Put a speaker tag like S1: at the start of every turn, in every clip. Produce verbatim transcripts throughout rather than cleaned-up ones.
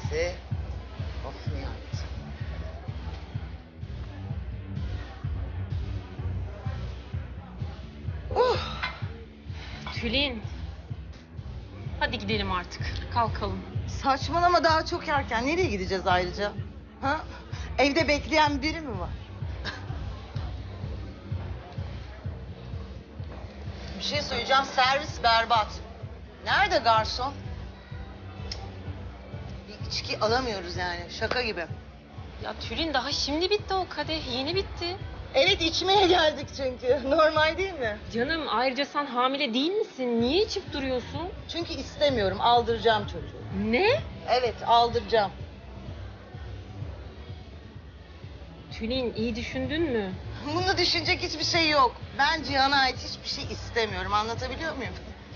S1: Mersi. Of Nihat. Uh.
S2: Tülin. Hadi gidelim artık. Kalkalım.
S1: Saçmalama, daha çok erken. Nereye gideceğiz ayrıca? Ha? Evde bekleyen biri mi var? Bir şey söyleyeceğim. Servis berbat. Nerede garson? Bir içki alamıyoruz yani. Şaka gibi.
S2: Ya Tülin daha şimdi bitti o kadeh. Yeni bitti.
S1: Evet, içmeye geldik çünkü. Normal değil mi?
S2: Canım ayrıca sen hamile değil misin? Niye içip duruyorsun?
S1: Çünkü istemiyorum. Aldıracağım çocuğu.
S2: Ne?
S1: Evet, aldıracağım.
S2: Tülin iyi düşündün mü?
S1: Bunu düşünecek hiçbir şey yok. Ben Cihan'a ait hiçbir şey istemiyorum. Anlatabiliyor muyum?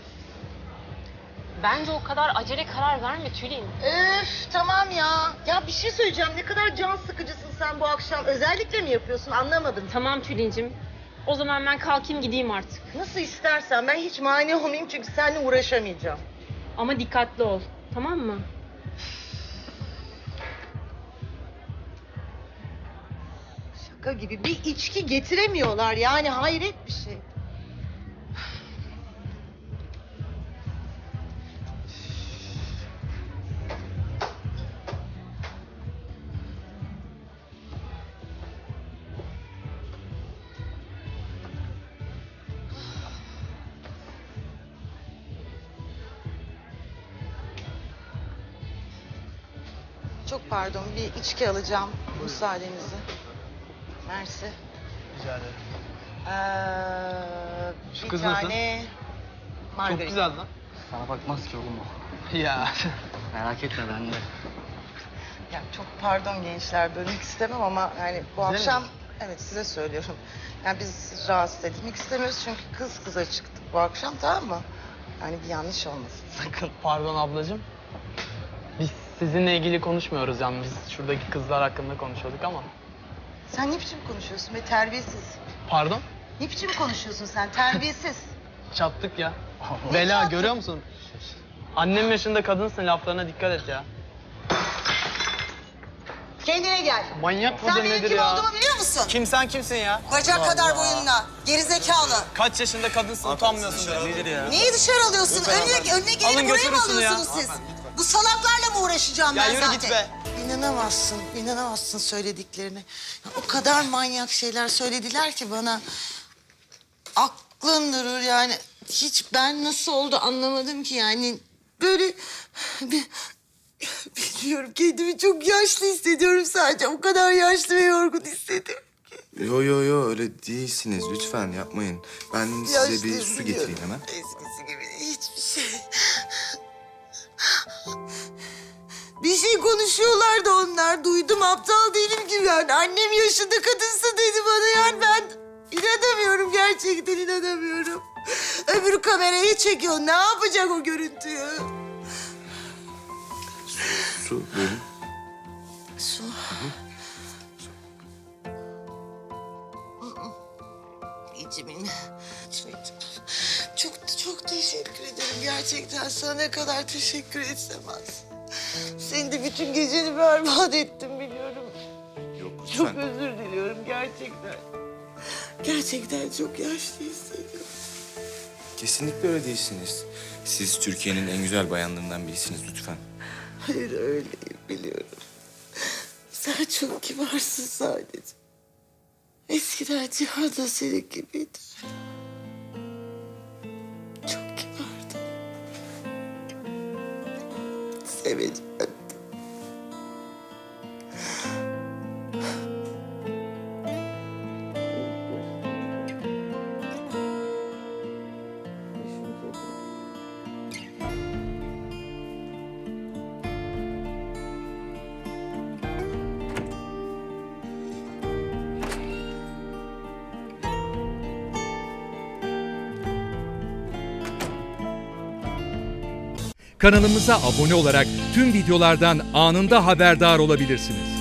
S2: Bence o kadar acele karar verme Tülin.
S1: Öf, tamam ya. Ya bir şey söyleyeceğim. Ne kadar can sıkıcısın sen bu akşam. Özellikle mi yapıyorsun, anlamadım.
S2: Tamam Tülin'cim. O zaman ben kalkayım gideyim artık.
S1: Nasıl istersen. Ben hiç mani olmayayım çünkü seninle uğraşamayacağım.
S2: Ama dikkatli ol. Tamam mı?
S1: Şaka gibi. Bir içki getiremiyorlar yani. Hayret bir şey. Çok pardon, bir içki alacağım. Müsaadenizi. Mersi.
S3: Rica ederim.
S1: Ee,
S3: Şu
S1: bir
S3: kız nasıl?
S1: tane margarin.
S3: Çok güzel lan.
S4: Sana bakmaz ki oğlum o.
S3: Ya.
S4: Merak etme ben de.
S1: Ya çok pardon gençler, bölmek istemem ama yani bu
S3: Bize mi
S1: akşam...
S3: diyorsun?
S1: Evet, size söylüyorum. Yani biz rahatsız edilmek istemiyoruz çünkü kız kıza çıktık bu akşam, tamam mı? Yani bir yanlış olmasın sakın.
S3: Pardon ablacığım. Biz sizinle ilgili konuşmuyoruz yani. Biz şuradaki kızlar hakkında konuşuyorduk ama.
S1: Sen ne biçim konuşuyorsun be, terbiyesiz?
S3: Pardon?
S1: Ne biçim konuşuyorsun sen, terbiyesiz?
S3: Çattık ya.
S1: Ne
S3: Bela
S1: çattık?
S3: görüyor musun? Annem yaşında kadınsın, laflarına dikkat et ya.
S1: Kendine gel.
S3: Manyak
S1: Sen
S3: mıdır
S1: benim
S3: nedir
S1: kim
S3: ya?
S1: olduğumu biliyor musun?
S3: Kim sen kimsin ya?
S1: Bacak
S3: Allah
S1: kadar
S3: Allah.
S1: boyunla, gerizekalı.
S3: Kaç yaşında kadınsın, utanmıyorsun. Nedir ya?
S1: Neyi dışarı alıyorsun? Önüne, önüne geleni
S3: Alın
S1: buraya mı
S3: götürün şunu ya.
S1: alıyorsunuz siz? Bu salaklarla mı uğraşacağım
S3: Ya
S1: ben
S3: yürü
S1: zaten?
S3: git be.
S1: İnanamazsın, inanamazsın söylediklerine. Ya o kadar manyak şeyler söylediler ki bana. Aklın durur yani. Hiç ben nasıl oldu anlamadım ki yani. Böyle... Bir, bilmiyorum, kendimi çok yaşlı hissediyorum sadece. O kadar yaşlı ve yorgun hissediyorum.
S5: Yo yo yo öyle değilsiniz, lütfen yapmayın. Ben size bir
S1: Yaşlıyım,
S5: su
S1: biliyorum.
S5: getireyim hemen.
S1: Eskisi gibi hiçbir şey. Bir şey konuşuyorlardı onlar. Duydum, aptal değilim ki yani. Annem yaşında kadınsın dedi bana yani ben inanamıyorum, gerçekten inanamıyorum. Öbür kamerayı çekiyor. Ne yapacak o görüntüyü?
S5: Su buyurun.
S1: Su. İçimin. Çok çok teşekkür ederim. Gerçekten sana ne kadar teşekkür etsem az. Seni de bütün geceni berbat ettim biliyorum.
S5: Yok
S1: Çok
S5: lütfen.
S1: özür diliyorum gerçekten. Gerçekten çok yaşlı hissediyorum.
S5: Kesinlikle öyle değilsiniz. Siz Türkiye'nin en güzel bayanlarından birisiniz lütfen.
S1: Hayır, öyleyim biliyorum. Sen çok kibarsın sadece. Eskiden Cihan da senin gibiydi. Çok kibardı. Seveceğim.
S6: Kanalımıza abone olarak tüm videolardan anında haberdar olabilirsiniz.